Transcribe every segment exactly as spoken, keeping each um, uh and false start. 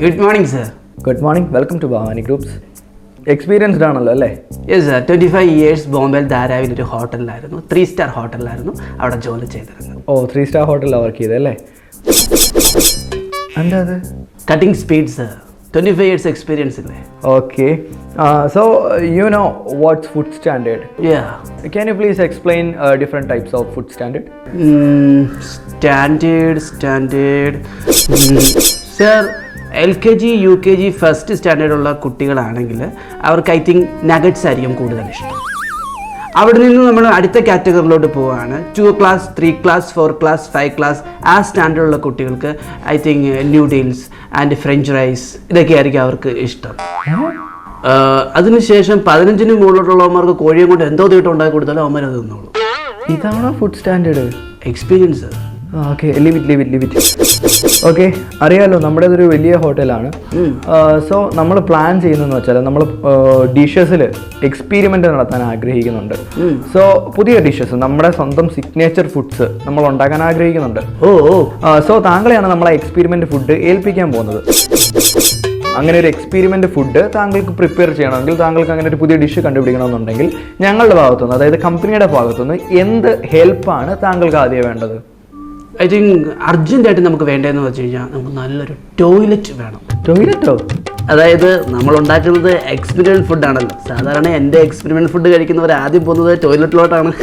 Good morning, sir. Good morning. Welcome to Bhavani Groups. Experienced ആണല്ലോ അല്ലേ? Yes, sir. twenty-five years ബോംബെയിൽ ധാരാവിൽ ഒരു ഹോട്ടലിലായിരുന്നു, three star ഹോട്ടലിലായിരുന്നു അവിടെ ജോലി ചെയ്തിരുന്നത്. ഓ ത്രീ സ്റ്റാർ ഹോട്ടലിലാണ് വർക്ക് ചെയ്തല്ലേ? എന്താ അത്? Cutting speed, sir. twenty-five years experience ഇല്ലേ? Okay. Uh, so you know what's food standard? Yeah. Can you please explain uh, different types of food standard? Mm, standard, standard. Mm, sir, L K G U K G first സ്റ്റാൻഡേർഡുള്ള കുട്ടികളാണെങ്കിൽ അവർക്ക് I think nuggets ആയിരിക്കും കൂടുതൽ ഇഷ്ടം. അവിടെ നിന്ന് നമ്മൾ അടുത്ത കാറ്റഗറിയിലോട്ട് പോവുകയാണ്. Two class, three class, four class, five class ആ സ്റ്റാൻഡേർഡുള്ള കുട്ടികൾക്ക് I think noodles and French rice ഇതൊക്കെ ആയിരിക്കും അവർക്ക് ഇഷ്ടം. അതിനുശേഷം പതിനഞ്ചിന് മുകളിലോട്ടുള്ളവന്മാർക്ക് കോഴിയും കൊണ്ട് എന്തോ തീട്ടം ഉണ്ടാക്കി കൊടുത്താലും അവന്മാർ അത് തിന്നോളൂ. ഇതാണോ food standard? Experience. Okay, leave it leave it leave it okay. അറിയാലോ നമ്മുടെ ഇതൊരു വലിയ ഹോട്ടലാണ്. സോ നമ്മൾ പ്ലാൻ ചെയ്യുന്നതെന്ന് വെച്ചാൽ നമ്മൾ ഡിഷസിൽ എക്സ്പീരിമെൻ്റ് നടത്താൻ ആഗ്രഹിക്കുന്നുണ്ട്. സോ പുതിയ ഡിഷസ്, നമ്മുടെ സ്വന്തം സിഗ്നേച്ചർ ഫുഡ്സ് നമ്മൾ ഉണ്ടാക്കാൻ ആഗ്രഹിക്കുന്നുണ്ട്. ഓ ഓ സോ താങ്കളെയാണ് നമ്മളെ എക്സ്പീരിമെൻ്റ് ഫുഡ് ഏൽപ്പിക്കാൻ പോകുന്നത്. അങ്ങനെ ഒരു എക്സ്പീരിമെൻ്റ് ഫുഡ് താങ്കൾക്ക് പ്രിപ്പയർ ചെയ്യണമെങ്കിൽ, താങ്കൾക്ക് അങ്ങനെ ഒരു പുതിയ ഡിഷ് കണ്ടുപിടിക്കണമെന്നുണ്ടെങ്കിൽ ഞങ്ങളുടെ ഭാഗത്തുനിന്ന്, അതായത് കമ്പനിയുടെ ഭാഗത്തുനിന്ന് എന്ത് ഹെൽപ്പാണ് താങ്കൾക്ക് ആദ്യം വേണ്ടത്? ഐ തിങ്ക് അർജൻറ്റായിട്ട് നമുക്ക് വേണ്ടതെന്ന് വെച്ച് കഴിഞ്ഞാൽ നമുക്ക് നല്ലൊരു ടോയ്ലറ്റ് വേണം. ടോയ്ലറ്റോ? അതായത് നമ്മൾ ഉണ്ടാക്കുന്നത് എക്സ്പെരിമെൻ്റ് ഫുഡാണല്ലോ. സാധാരണ എൻ്റെ എക്സ്പെരിമെൻ്റ് ഫുഡ് കഴിക്കുന്നവർ ആദ്യം പോകുന്നത് ടോയ്ലറ്റിലോട്ടാണ്.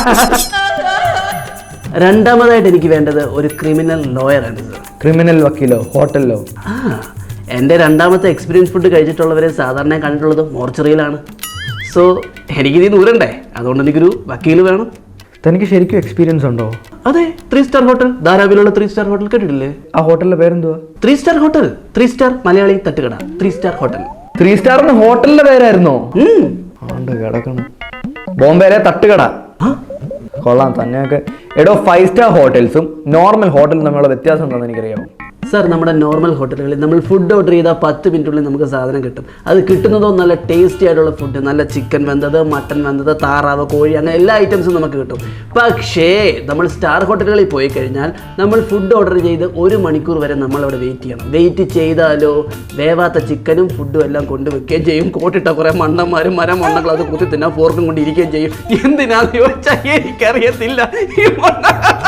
രണ്ടാമതായിട്ട് എനിക്ക് വേണ്ടത് ഒരു ക്രിമിനൽ ലോയറാണ് സർ. ക്രിമിനൽ വക്കീലോ ഹോട്ടലിലോ? ആ, എൻ്റെ രണ്ടാമത്തെ എക്സ്പീരിയൻസ് ഫുഡ് കഴിച്ചിട്ടുള്ളവരെ സാധാരണ കണ്ടിട്ടുള്ളത് മോർച്ചറിയിലാണ്. സോ എനിക്കിത് ദൂരണ്ടേ, അതുകൊണ്ട് എനിക്കൊരു വക്കീൽ വേണം. തനിക്ക് ശരിക്കും എക്സ്പീരിയൻസ് ഉണ്ടോ? അതെ, ത്രീ സ്റ്റാർ ഹോട്ടൽ, ധാരാവിലുള്ള ത്രീ സ്റ്റാർ ഹോട്ടൽ കേട്ടിട്ടില്ലേ? ആ ഹോട്ടലിന്റെ പേരെന്തുവാ? Three star hotel. Three star Malayali തട്ടുകട, ത്രീ സ്റ്റാർ ഹോട്ടൽ. ത്രീ സ്റ്റാറിന് ഹോട്ടലിന്റെ പേരായിരുന്നോ? കിടക്കണം. ബോംബെയിലെ തട്ടുകട. കൊള്ളാം തന്നെയൊക്കെ. എടോ, ഫൈവ് സ്റ്റാർ ഹോട്ടൽസും നോർമൽ ഹോട്ടലും തമ്മിലുള്ള വ്യത്യാസം എന്താണെന്ന് എനിക്കറിയാമോ? സാർ, നമ്മുടെ നോർമൽ ഹോട്ടലുകളിൽ നമ്മൾ ഫുഡ് ഓർഡർ ചെയ്താൽ പത്ത് മിനിറ്റുള്ളിൽ നമുക്ക് സാധനം കിട്ടും. അത് കിട്ടുന്നതോ നല്ല ടേസ്റ്റി ആയിട്ടുള്ള ഫുഡ്, നല്ല ചിക്കൻ വെന്തത്, മട്ടൻ വെന്തത്, താറാവ്, കോഴി, അങ്ങനെ എല്ലാ ഐറ്റംസും നമുക്ക് കിട്ടും. പക്ഷേ നമ്മൾ സ്റ്റാർ ഹോട്ടലുകളിൽ പോയി കഴിഞ്ഞാൽ നമ്മൾ ഫുഡ് ഓർഡർ ചെയ്ത് ഒരു മണിക്കൂർ വരെ നമ്മളവിടെ വെയിറ്റ് ചെയ്യണം. വെയിറ്റ് ചെയ്താലോ വേവാത്ത ചിക്കനും ഫുഡും എല്ലാം കൊണ്ടുവയ്ക്കുകയും ചെയ്യും. കോട്ടിട്ട കുറേ മണ്ണന്മാരും മരം മണ്ണകൾ അത് കുത്തി തിന്നാൻ ഫോർക്കും കൊണ്ട് ഇരിക്കുകയും ചെയ്യും. എന്തിനാന്ന് ചോദിച്ചാൽ എനിക്കറിയത്തില്ല. ഈ മണ്ണ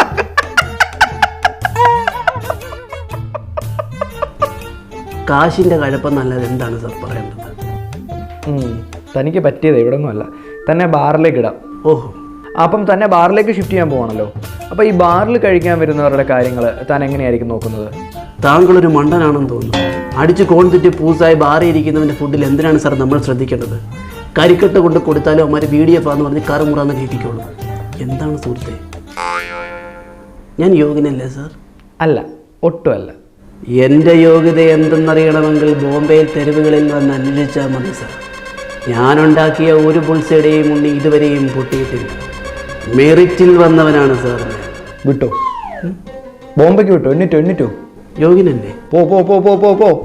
കാശിൻ്റെ കഴപ്പെന്നല്ലാതെ എന്താണ് സാർ പറയേണ്ടത്? തനിക്ക് പറ്റിയത് ഇവിടെ ഒന്നും അല്ല, തന്നെ ബാറിലേക്ക് ഇടാം. ഓഹോ, അപ്പം തന്നെ ബാറിലേക്ക് ഷിഫ്റ്റ് ചെയ്യാൻ പോകണല്ലോ. അപ്പോൾ ഈ ബാറിൽ കഴിക്കാൻ വരുന്നവരുടെ കാര്യങ്ങൾ താൻ എങ്ങനെയായിരിക്കും നോക്കുന്നത്? താങ്കളൊരു മണ്ടനാണെന്ന് തോന്നുന്നു. അടിച്ച് കോൺ തെറ്റി പൂസായി ബാറിൽ ഇരിക്കുന്നവൻ്റെ ഫുഡിൽ എന്തിനാണ് സാർ നമ്മൾ ശ്രദ്ധിക്കേണ്ടത്? കരിക്കട്ട കൊണ്ട് കൊടുത്താലും അവന്മാർ വി ഡി എഫ് ആന്ന് പറഞ്ഞ് കറുമുറാന്ന് കേൾപ്പിക്കുള്ളൂ. എന്താണ് സുഹൃത്തെ, ഞാൻ യോഗ്യനല്ലേ സാർ? അല്ല, ഒട്ടുമല്ല. എൻ്റെ യോഗ്യത എന്തെന്നറിയണമെങ്കിൽ ബോംബെയിൽ തെരുവുകളിൽ വന്ന് അന്വേഷിച്ചാൽ മതി സാർ. ഞാനുണ്ടാക്കിയ ഒരു പുൾസയുടെയും ഉണ്ണി ഇതുവരെയും പൊട്ടിയിട്ടില്ല. മെറിറ്റിൽ വന്നവനാണ് സാർ. വിട്ടോ, ബോംബെക്ക് വിട്ടോ. എണ്ണിറ്റോ എണ്ണിറ്റോ യോഗ്യനല്ലേ? പോ പോ പോ പോ പോ പോ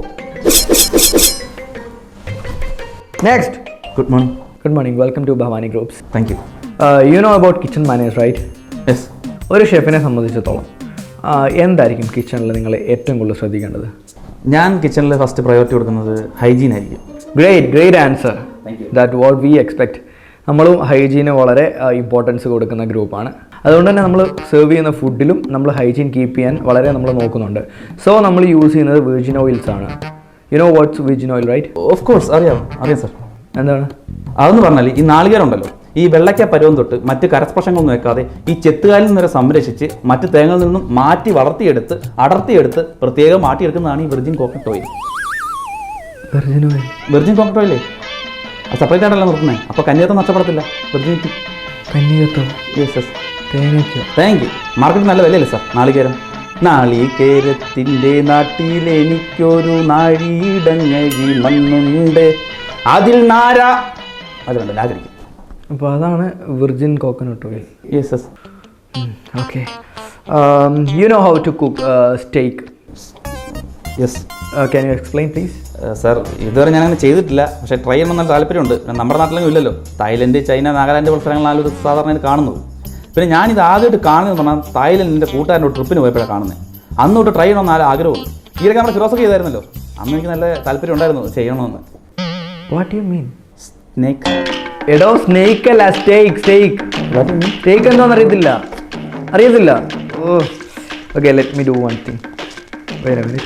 next. Good morning. Good morning. Welcome to Bhavani Groups. Thank you. Uh, you know about kitchen manners, right? Yes. ഒരു ഷെഫിനെ സംബന്ധിച്ചിടത്തോളം എന്തായിരിക്കും കിച്ചണിൽ നിങ്ങൾ ഏറ്റവും കൂടുതൽ ശ്രദ്ധിക്കേണ്ടത്? ഞാൻ കിച്ചണിൽ ഫസ്റ്റ് പ്രയോറിറ്റി കൊടുക്കുന്നത് ഹൈജീൻ ആയിരിക്കും. Great great answer. That what we expect. നമ്മളും ഹൈജീന് വളരെ ഇമ്പോർട്ടൻസ് കൊടുക്കുന്ന ഗ്രൂപ്പാണ്. അതുകൊണ്ട് തന്നെ നമ്മൾ സെർവ് ചെയ്യുന്ന ഫുഡിലും നമ്മൾ ഹൈജീൻ കീപ്പ് ചെയ്യാൻ വളരെ നമ്മൾ നോക്കുന്നുണ്ട്. സോ നമ്മൾ യൂസ് ചെയ്യുന്നത് വെർജിൻ ഓയിൽസ് ആണ്. You know what's virgin oil, right? Of course അറിയാം അറിയാം സാർ. എന്താണ് അതെന്ന് പറഞ്ഞാൽ ഈ നാളികേരം ഉണ്ടല്ലോ, ഈ വെള്ളയ്ക്ക പരുവം തൊട്ട് മറ്റ് കരസ്പർശങ്ങളൊന്നും വെക്കാതെ ഈ ചെത്തുകാലിൽ നിന്ന് സംരക്ഷിച്ച് മറ്റ് തേങ്ങയിൽ നിന്നും മാറ്റി വളർത്തിയെടുത്ത് അടർത്തിയെടുത്ത് പ്രത്യേകം മാറ്റിയെടുക്കുന്നതാണ് ഈ virgin coconut oil. Virgin oil virgin coconut ഓയിലേ അത് സെപ്പറേറ്റ് ആയിട്ടല്ല നിർത്തുന്നത്. അപ്പോൾ കന്യാത്തം നഷ്ടപ്പെടത്തില്ല. വെർജിനിറ്റി. കന്യാത്തം? Yes yes. തേങ്ങയ്ക്കോ? Thank you. മാർക്കറ്റിൽ നല്ല വിലയല്ലേ സാർ നാളികേരം? നാളികേരത്തിൻ്റെ നാട്ടിലെനിക്കൊരു നാഴിയിടങ്ങഴി മണ്ണുണ്ട്, അതിൽ നാര അതുകൊണ്ട് ആഗ്രഹിക്കും. അപ്പോൾ അതാണ് virgin coconut oil. Yes yes. Okay. You know how to cook steak? Yes. Can you explain please? Sir, ഇതുവരെ ഞാനങ്ങനെ ചെയ്തിട്ടില്ല, പക്ഷേ ട്രൈ ചെയ്യണം നല്ല താല്പര്യമുണ്ട്. നമ്മുടെ നാട്ടിലൊന്നും ഇല്ലല്ലോ. തായ്ലൻഡ്, ചൈന, നാഗാലാൻഡ് പോലുള്ള സ്ഥലങ്ങളിലാണ് ഇത് സാധാരണ കാണുന്നത്. പിന്നെ ഞാനിത് ആദ്യമായിട്ട് കാണുന്നത് പറഞ്ഞാൽ തായ്ലൻഡിൻ്റെ കൂട്ടുകാരൻ്റെ ട്രിപ്പിന് പോയപ്പോഴാണ് കാണുന്നത്. അന്ന് തൊട്ട് ട്രൈ ചെയ്യണമെന്ന് ആരും ആഗ്രഹമുള്ളൂ. ഈയിടെ നമ്മുടെ ഫിറോസൊക്കെ ചെയ്തായിരുന്നല്ലോ, അന്ന് എനിക്ക് നല്ല താല്പര്യം ഉണ്ടായിരുന്നു ചെയ്യണമെന്ന്. What you mean? സ്നേക്ക്. എടോ സ്നേക്ക് അല്ല, സ്റ്റേക്ക്. സ്റ്റേക്ക് സ്റ്റേക്ക് എന്താണെന്ന് അറിയത്തില്ല അറിയത്തില്ല oh okay, let me do one thing. Wait a minute.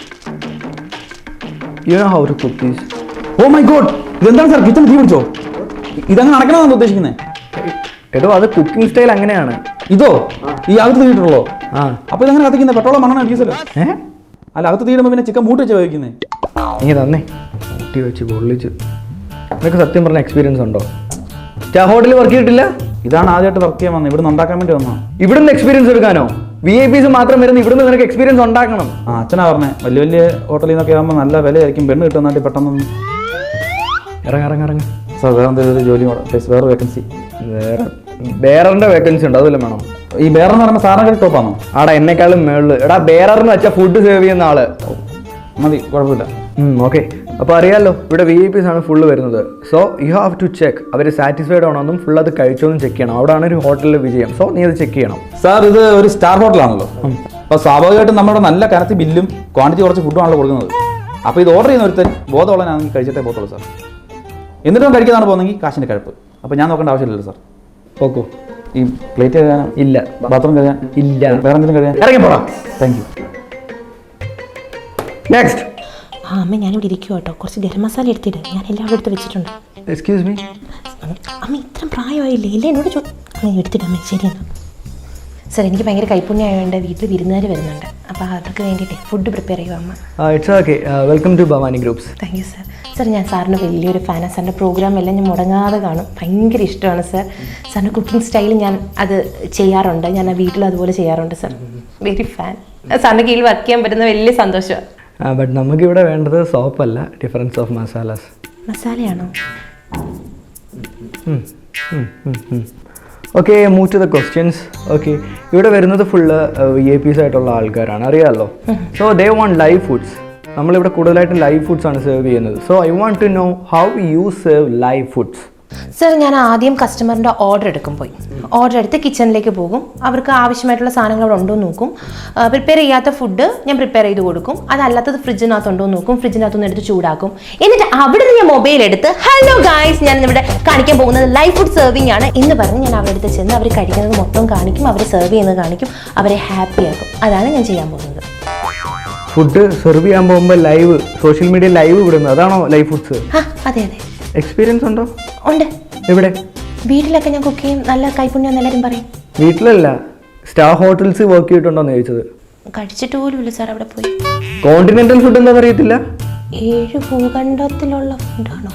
You know how to cook these? Oh my god, ഇതെന്താണ് സാർ കിച്ചൺ തീ പിടിച്ചോ? ഇതങ്ങനെ നടക്കണമെന്നാണ് ഉദ്ദേശിക്കുന്നത്? എടോ അത് കുക്കിംഗ് സ്റ്റൈൽ അങ്ങനെയാണ്. ഇതോ ഈ അകത്ത് തീയിട്ടുള്ളോ? ആ അപ്പൊ ഇതങ്ങനെ കത്തിക്കുന്നത് പെട്രോളോ മണ്ണെണ്ണ ഡീസലോ? ഏ അല്ല, അകത്ത് തീരുമ്പോൾ പിന്നെ ചിക്കൻ മൂട്ട് വെച്ച് വയ്ക്കുന്നത്. നീ തന്നേ കൂട്ടി വെച്ച് പൊള്ളിച്ച്. നിനക്ക് സത്യം പറഞ്ഞ എക്സ്പീരിയൻസ് ഉണ്ടോ? സ്റ്റാർ ഹോട്ടലിൽ വർക്ക് ചെയ്തിട്ടില്ല? ഇതാണ് ആദ്യമായിട്ട് വർക്ക് ചെയ്യാൻ വന്നത്, ഇവിടുന്ന് ഉണ്ടാക്കാൻ വേണ്ടി വന്നോ? ഇവിടുന്ന് എക്സ്പീരിയൻസ് എടുക്കാനോ? വി ഐ പീസ് മാത്രം വരുന്ന ഇവിടുന്ന് നിനക്ക് എക്സ്പീരിയൻസ് ഉണ്ടാക്കണം. ആ അച്ഛനാ പറഞ്ഞേ, വലിയ വലിയ ഹോട്ടലിൽ നിന്നൊക്കെ ആകുമ്പോൾ നല്ല വിലയായിരിക്കും, പെണ്ണ് കിട്ടുന്ന നാട്ടിൽ പെട്ടെന്ന്. ഇറങ്ങ ഇറങ്ങ ഇറങ്ങ സാർ വേറെ എന്തെങ്കിലും ഒരു ജോലി പ്ലീസ്, വേറെ വേക്കൻസി. വേറെ ബേററിന്റെ വേക്കൻസി ഉണ്ട്, അതുവല്ല വേണം. ഈ ബേറർ എന്ന് പറയുമ്പോൾ സാറിനെ ടോപ്പാണോ? ആടാ എന്നെക്കാളും മേളില്. എടാ ബേററിന് വെച്ചാൽ ഫുഡ് സേവ് ചെയ്യുന്ന ആള് മതി, കുഴപ്പമില്ല. ഓക്കെ, അപ്പോൾ അറിയാമല്ലോ ഇവിടെ വി ഐ പീസ് ആണ് ഫുള്ള് വരുന്നത്. So you have to check അവർ സാറ്റിസ്ഫൈഡ് ആണോന്നും ഫുൾ അത് കഴിച്ചോന്നും ചെക്ക് ചെയ്യണം. അവിടെയാണ് ഒരു ഹോട്ടലിൽ വിജയം. സോ നീ അത് ചെക്ക് ചെയ്യണം. സാർ ഇത് ഒരു സ്റ്റാർ ഹോട്ടലാണല്ലോ, അപ്പോൾ സ്വാഭാവികമായിട്ടും നമ്മുടെ നല്ല കനത്തി ബില്ലും ക്വാണ്ടിറ്റി കുറച്ച് ഫുഡുമാണല്ലോ കൊടുക്കുന്നത്. അപ്പോൾ ഇത് ഓർഡർ ചെയ്യുന്ന ഒരുത്തൻ ബോധമുള്ളനാണെങ്കിൽ കഴിച്ചിട്ടേ പോകത്തുള്ളൂ സാർ. എന്നിട്ടും കഴിക്കാനാണ് പോകുന്നെങ്കിൽ കാശിൻ്റെ കഴപ്പ്. അപ്പോൾ ഞാൻ നോക്കേണ്ട ആവശ്യമില്ലല്ലോ സാർ. ഓക്കോ, ഈ പ്ലേറ്റ് കഴുകാൻ ഇല്ല, ബാത്റൂം കഴുകാൻ ഇല്ല, വേറെ എന്തെങ്കിലും കഴുകാൻ ഇറങ്ങി പോടാ. Thank you. നെക്സ്റ്റ്. ആ അമ്മ ഞാനിവിടെ ഇരിക്കും കേട്ടോ, കുറച്ച് ഗരം മസാല എടുത്തിട്ട് ഞാൻ എല്ലാവരും എടുത്ത് വെച്ചിട്ടുണ്ട്. Excuse me. അമ്മ ഇത്രയും പ്രായമായില്ലേ, എല്ലാം എന്നോട് ചോ അമ്മ എടുത്തിട്ട് അമ്മ ശരി എന്നാ. സാർ എനിക്ക് ഭയങ്കര കൈപ്പുണ്യമായതുകൊണ്ട് വീട്ടിൽ വിരുന്നുകാർ വരുന്നുണ്ട്, അപ്പോൾ അതൊക്കെ വേണ്ടിയിട്ട് ഫുഡ് പ്രിപ്പയർ ചെയ്യുക അമ്മ. It's okay. Welcome to Bhavani groups. Thank you sir. Sir ഞാൻ സാറിന് വലിയൊരു ഫാനാണ്. സാറിൻ്റെ പ്രോഗ്രാം എല്ലാം ഞാൻ മുടങ്ങാതെ കാണും, ഭയങ്കര ഇഷ്ടമാണ് സാർ. സാറിൻ്റെ കുക്കിംഗ് സ്റ്റൈൽ ഞാൻ അത് ചെയ്യാറുണ്ട്, ഞാൻ വീട്ടിൽ അതുപോലെ ചെയ്യാറുണ്ട് സാർ. Very fan. സാറിൻ്റെ കീഴിൽ വർക്ക് ചെയ്യാൻ പറ്റുന്ന വലിയ സന്തോഷമാണ്. ബട്ട് നമുക്കിവിടെ വേണ്ടത് സോപ്പല്ല, ഡിഫറൻസ് ഓഫ് മസാലാസ്. മസാലയാണോ? Okay, move to the questions. Okay, ഇവിടെ വരുന്നത് ഫുള്ള് വി ഐ പീസ് ആയിട്ടുള്ള ആൾക്കാരാണ്, അറിയാമല്ലോ. So they want live foods. നമ്മളിവിടെ കൂടുതലായിട്ട് ലൈവ് ഫുഡ്സ് ആണ് സെർവ് ചെയ്യുന്നത്. So I want to know how you serve live foods. Sir ഞാൻ ആദ്യം കസ്റ്റമറിൻ്റെ ഓർഡർ എടുക്കും, പോയി ഓർഡർ എടുത്ത് കിച്ചണിലേക്ക് പോകും, അവർക്ക് ആവശ്യമായിട്ടുള്ള സാധനങ്ങൾ അവിടെ ഉണ്ടോ എന്ന് നോക്കും. പ്രിപ്പയർ ചെയ്യാത്ത ഫുഡ് ഞാൻ പ്രിപ്പയർ ചെയ്ത് കൊടുക്കും, അതല്ലാത്തത് ഫ്രിഡ്ജിനകത്തുണ്ടോ എന്ന് നോക്കും, ഫ്രിഡ്ജിനകത്തുനിന്ന് എടുത്ത് ചൂടാക്കും. എന്നിട്ട് അവിടെ നിന്ന് ഞാൻ മൊബൈൽ എടുത്ത് ഹലോ ഗായ്സ് ഞാൻ ഇവിടെ കാണിക്കാൻ പോകുന്നത് ലൈവ് ഫുഡ് സെർവിങ് ആണ് എന്ന് പറഞ്ഞ് ഞാൻ അവരുടെ അടുത്ത് ചെന്ന് അവർ കഴിക്കുന്നത് മൊത്തം കാണിക്കും, അവർ സെർവ് ചെയ്യുന്നത് കാണിക്കും, അവരെ ഹാപ്പി ആക്കും. അതാണ് ഞാൻ ചെയ്യാൻ പോകുന്നത്. ഫുഡ് സെർവ് ചെയ്യാൻ പോകുമ്പോൾ ലൈവ് സോഷ്യൽ മീഡിയ ലൈവ് വിടുന്നത്, അതാണോ ലൈവ് ഫുഡ്സ്? ആ അതെ അതെ. എക്സ്പീരിയൻസ് ഉണ്ടോ? ഉണ്ട്. എവിടെ? വീട്ടിലൊക്കെ ഞാൻ കുക്ക് ചെയ്യും, നല്ല കൈപ്പുണ്യം എല്ലാവരും പറയും. വീട്ടിലല്ല, സ്റ്റാർ ഹോട്ടൽസ് വർക്ക് ചെയ്തിട്ടുണ്ടോന്ന് ചോദിച്ചത്. കഴിച്ചിട്ട് പോലുമില്ല സാർ അവിടെ പോയി. കോണ്ടിനെന്റൽ ഫുഡ് എന്താ അറിയത്തില്ല? ഏഴ് ഭൂഖണ്ഡത്തിലുള്ള ഫുഡാണോ?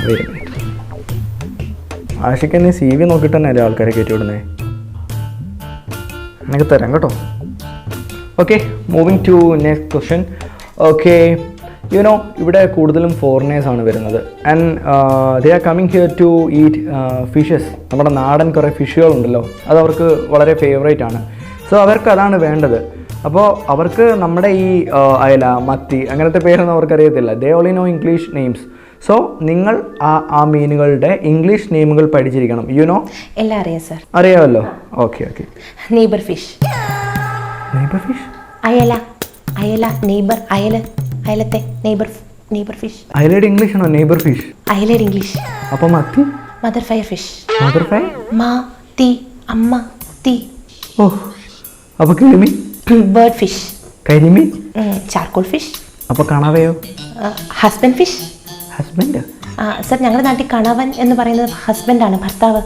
ആഷിക്ക് എന്നെ സി വി നോക്കിയിട്ട് തന്നെ അല്ലേ ആൾക്കാരെ കയറ്റി വിടുന്നേ. എനിക്ക് തരാം കേട്ടോ. Okay, moving to next question. Okay, you know ഇവിടെ കൂടുതലും ഫോറിനേഴ്സ് ആണ് വരുന്നത്. And they are coming here to eat fishes. നമ്മുടെ നാടൻ കുറേ ഫിഷുകളുണ്ടല്ലോ, അത് അവർക്ക് വളരെ ഫേവറേറ്റ് ആണ്. സോ അവർക്ക് അതാണ് വേണ്ടത്. അപ്പോൾ അവർക്ക് നമ്മുടെ ഈ അയല, മത്തി അങ്ങനത്തെ പേരൊന്നും അവർക്കറിയത്തില്ല. They only know English names. So നിങ്ങൾ ആ ആ മീനുകളുടെ ഇംഗ്ലീഷ് നെയിമുകൾ പഠിച്ചിരിക്കണം. You know? എല്ലാം അറിയാം സാർ. അറിയാമല്ലോ. Okay okay. Neighbour fish. Neighbour fish? അയല. അയല നെയ്ബർ. അയല അയലത്തെ നെയ്ബർ നെയ്ബർ ഫിഷ്. അയലയുടെ ഇംഗ്ലീഷ് ആണോ നെയ്ബർ ഫിഷ്? അയലയുടെ ഇംഗ്ലീഷ്. അപ്പോൾ മത്തി? Mother fire fish. Mother fire? മാ തീ അമ്മ തീ. ഓ, അപ്പോൾ കിളിമീൻ? Bird fish. കരിമീൻ? Charcoal fish. അപ്പോൾ കണവയോ? Husband fish. ഹസ്ബൻഡ്? സാർ ഞങ്ങളുടെ നാട്ടിൽ കണവൻ എന്ന് പറയുന്നത് ഹസ്ബൻഡാണ്, ഭർത്താവ്.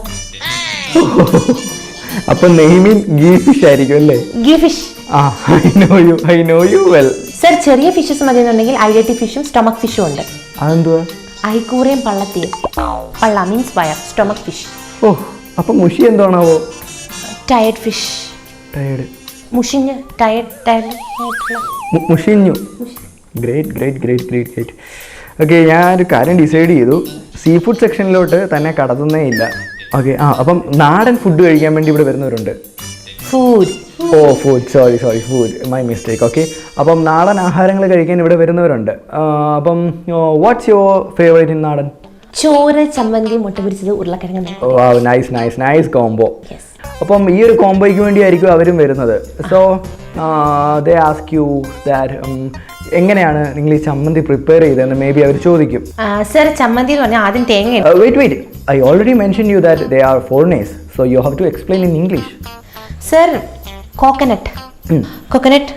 അപ്പൊ നെയ്മീൻ ഗീ ഫിഷ് ആയിരിക്കും അല്ലേ? Ghee fish. ആ, I know you I know you well. Sir ചെറിയ ഫിഷസ് മതി എന്നുണ്ടെങ്കിൽ ഐഡറ്റി ഫിഷും സ്റ്റൊമക് ഫിഷും ഉണ്ട്. അതെന്തുവാ? ഐക്കൂറയും പള്ളത്തിയും. പള്ള മീൻസ് വയർ, സ്റ്റൊമക് ഫിഷ്. ഓ, അപ്പൊ മുഷി എന്താണാവോ? Tired fish. ടയർഡ്? മുഷിഞ്ഞ് ടയർഡ് ടയർഡ് മുഷിഞ്ഞു. Great great great great great. Okay, ഞാനൊരു കാര്യം ഡിസൈഡ് ചെയ്തു. സീ ഫുഡ് സെക്ഷനിലോട്ട് തന്നെ കടത്തുന്നേ ഇല്ല. ഓക്കെ, ആ അപ്പം നാടൻ ഫുഡ് കഴിക്കാൻ വേണ്ടി ഇവിടെ വരുന്നവരുണ്ട്. Food. Oh food, sorry sorry food, my mistake. Okay, അപ്പം നാടൻ ആഹാരങ്ങൾ കഴിക്കാൻ ഇവിടെ വരുന്നവരുണ്ട്. അപ്പം വാട്ട്സ് യുവർ ഫേവറേറ്റ് ഇൻ നാടൻ? ചോറ്, ചമ്മന്തി, മുട്ട പൊരിച്ചത്, ഉരുളക്കിഴങ്ങ്. Oh nice nice nice combo. Yes. അപ്പം ഈ ഒരു കോംബോയ്ക്ക് വേണ്ടിയായിരിക്കും അവരും വരുന്നത്. So they ask you that എങ്ങനെയാണ് നിങ്ങൾ ഈ ചമ്മന്തി പ്രിപ്പയർ ചെയ്തതെന്ന് മേ ബി അവർ ചോദിക്കും. സർ ചമ്മന്തി എന്ന് പറഞ്ഞാൽ ആദ്യം തേങ്ങ wait wait I already mention you that they are foreigners so you have to explain in English. Sir coconut coconut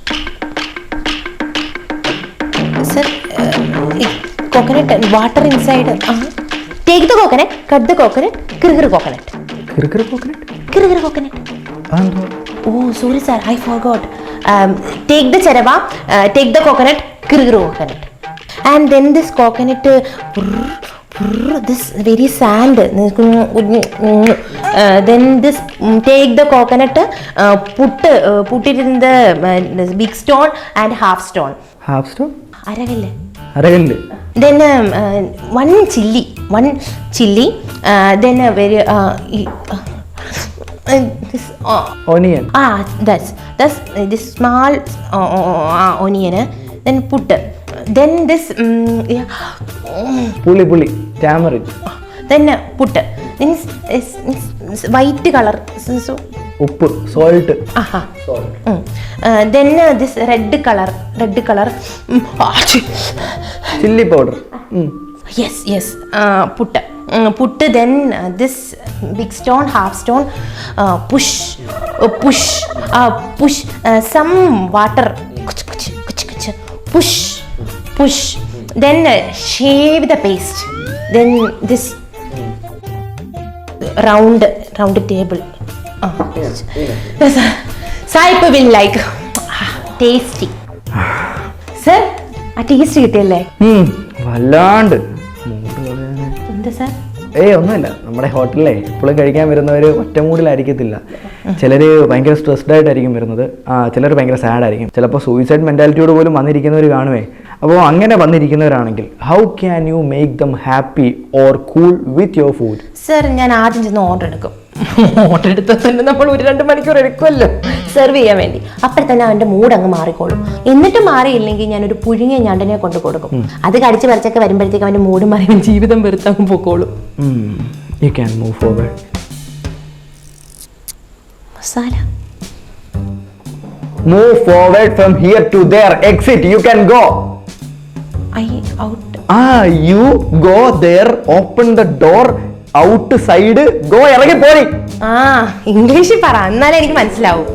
sir coconut water inside take the coconut cut the coconut കിറുകിറു coconut കിറുകിറു coconut കിറുകിറു coconut അതെന്തോ? Oh, sorry sir, I forgot. Um, take the charava, uh, take the coconut, kirgiru coconut. And then this coconut, uh, brrr, brrr, this very sand. Uh, then this, um, take the coconut, uh, put, uh, put it in the uh, this big stone and half stone. Half stone Aragalle. അരകല്ല്. Then um, uh, one chilli, one chilli. Uh, then a very, uh, uh, uh, this, uh, onion. Ah, that's that's uh, this small uh, uh, onion. Uh, then put. Uh, then this. Um, yeah. പുളി പുളി tamarind. Then uh, put. Then it's, it's, it's white color. So, so ഉപ്പ് salt. aha. Mm. Uh, then uh, this red color. Red color. Mm. Ah, chi- chilli powder. yes, yes. Uh, put. Uh, put then uh, this big stone, half stone. Uh, push. Uh, push. Uh, push. Uh, some water. Kuch, kuch, kuch, kuch. Push. Push. Then uh, shave the paste. Then this round round table. Uh, yes. Saip will like ah, tasty. Sir, ആ taste കിട്ടിയല്ലേ? വല്ലാണ്ട്. എന്താ sir? ഏയ് ഒന്നുമില്ല, നമ്മുടെ ഹോട്ടലിലെ ഇപ്പോഴും കഴിക്കാൻ വരുന്നവർ ഒറ്റമൂടിലായിരിക്കത്തില്ല. ചിലർ ഭയങ്കര സ്ട്രെസ്ഡ് ആയിട്ടായിരിക്കും വരുന്നത്, ചിലർ ഭയങ്കര സാഡ് ആയിരിക്കും, ചിലപ്പോൾ സൂയിസൈഡ് മെൻറ്റാലിറ്റിയോട് പോലും വന്നിരിക്കുന്നവർ കാണുമേ. അപ്പോൾ അങ്ങനെ വന്നിരിക്കുന്നവരാണെങ്കിൽ how can you make them happy or cool with your food? Sir ഞാൻ ആദ്യം ചെന്ന് ഓർഡർ എടുക്കും. ഓർഡർ എടുത്താൽ തന്നെ നമ്മൾ ഒരു രണ്ട് മണിക്കൂർ എടുക്കുമല്ലോ സെർവ് ചെയ്യാൻ വേണ്ടി. അപ്പോൾ തന്നെ അവൻ്റെ മൂഡ് അങ്ങ് മാറിക്കോളും. എന്നിട്ട് മാറിയില്ലെങ്കിൽ ഞാനൊരു പുഴുങ്ങിയ ഞണ്ടിനെ കൊണ്ട് കൊടുക്കും. അത് കടിച്ച് പറിച്ചൊക്കെ വരുമ്പോഴത്തേക്ക് അവൻ്റെ മൂഡ് മാറി ജീവിതം വെറുത്തങ്ങ് പൊക്കോളും. You can move forward. Masala move forward from here to there. Exit. You can go. I out. ആ you go there. Open the door. Outside. Go. ഇറങ്ങി പോയി. ആ ഇംഗ്ലീഷിൽ പറ, എന്നാലേ എനിക്ക് മനസ്സിലാവും.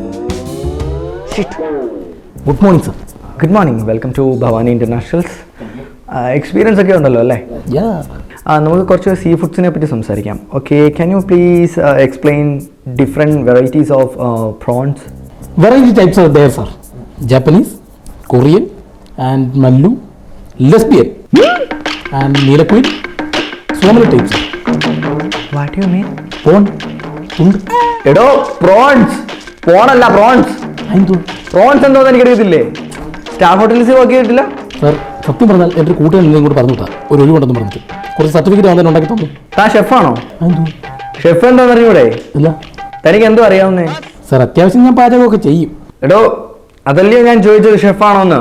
Good morning sir. Good morning. Welcome to Bhavani internationals. Experience ഒക്കെ ഉണ്ടല്ലോ അല്ലേ? നമുക്ക് കുറച്ച് സീ ഫുഡ്സിനെ പറ്റി സംസാരിക്കാം. Okay, can you please explain different varieties of prawns? Variety types are there, sir. Japanese, Korean, and Mallu, Lesbian, and Neelaquid. So many types. What you mean? Prawn, tund. എടോ prawns. പോണല്ല prawns. അതെന്തോ? Prawns എന്തോന്ന് എനിക്കറിയത്തില്ലേ. Star hotels work ചെയ്തിട്ടില്ല sir, സത്യം പറഞ്ഞാൽ എൻ്റെ കൂട്ടുകാരൻ എന്തെങ്കിലും കൂടെ പറഞ്ഞു വിട്ടാ ഒരു ഒഴിവുണ്ടെന്ന് പറഞ്ഞിട്ട് കുറച്ച് സർട്ടിഫിക്കറ്റ് വന്നിട്ട് ഉണ്ടാക്കി തന്നു. താ ഷെഫാണോ? അതെന്തോ? ഷെഫ് എന്താന്ന് അറിയൂടെ? ഇല്ല തനിക്ക് എന്തോ അറിയാവുന്നേ? സർ, അത്യാവശ്യം ഞാൻ പാചകമൊക്കെ ചെയ്യും. എടോ അതല്ലയോ ഞാൻ ചോദിച്ചത്, ഷെഫാണോന്ന്?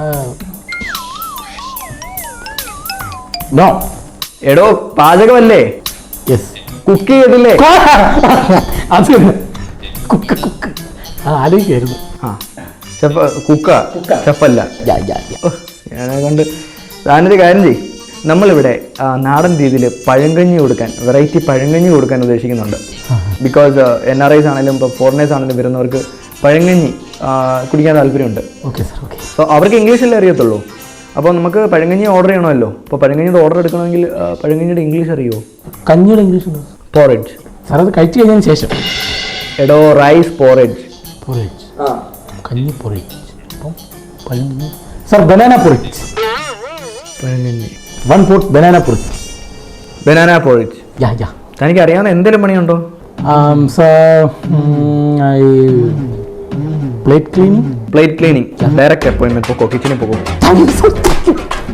നോ. എടോ പാചകമല്ലേ? യെസ്. കുക്ക് ചെയ്തില്ലേ? അത് കുക്ക് കുക്ക് ആ ആലോചിക്കായിരുന്നു. ആ ഷെഫ് കുക്ക ഷെഫല്ല. യാ യാ യാ. ഞാനെ കൊണ്ട് താനൊരു കാര്യം ചെയ്യും. നമ്മളിവിടെ നാടൻ രീതിയിൽ പഴങ്കഞ്ഞി കൊടുക്കാൻ, വെറൈറ്റി പഴങ്കഞ്ഞി കൊടുക്കാൻ ഉദ്ദേശിക്കുന്നുണ്ട്. ബിക്കോസ് എൻ ആർ ഐസ് ആണെങ്കിലും ഇപ്പോൾ ഫോറിനേഴ്സ് ആണെങ്കിലും വരുന്നവർക്ക് പഴങ്കഞ്ഞി കുടിക്കാൻ താല്പര്യമുണ്ട്. Okay sir. ഓക്കെ. സോ അവർക്ക് ഇംഗ്ലീഷല്ലേ അറിയത്തുള്ളൂ. അപ്പോൾ നമുക്ക് പഴങ്കഞ്ഞി ഓർഡർ ചെയ്യണമല്ലോ. അപ്പോൾ പഴങ്കഞ്ഞിയുടെ ഓർഡർ എടുക്കണമെങ്കിൽ പഴങ്കഞ്ഞിയുടെ ഇംഗ്ലീഷ് അറിയുമോ? കഞ്ഞിയുടെ ഇംഗ്ലീഷ് പോറേജ്. സാർ, അത് കഴിച്ചു കഴിഞ്ഞതിന് ശേഷം. എടോ റൈസ് പോറേജ്. പോറേജ്. കഞ്ഞി പോറേജ്. അപ്പം പഴങ്കഞ്ഞി. Sir, banana porridge. പഴങ്കഞ്ഞി. One pot banana porridge. Banana porridge. Ya ya. തനിക്ക് അറിയാവുന്ന എന്തെങ്കിലും പണിയുണ്ടോ? Sir, plate cleaning. Plate cleaning. Direct അപ്പോയിൻമെന്റ് പോക്കോ, കിച്ചണിൽ പോകും.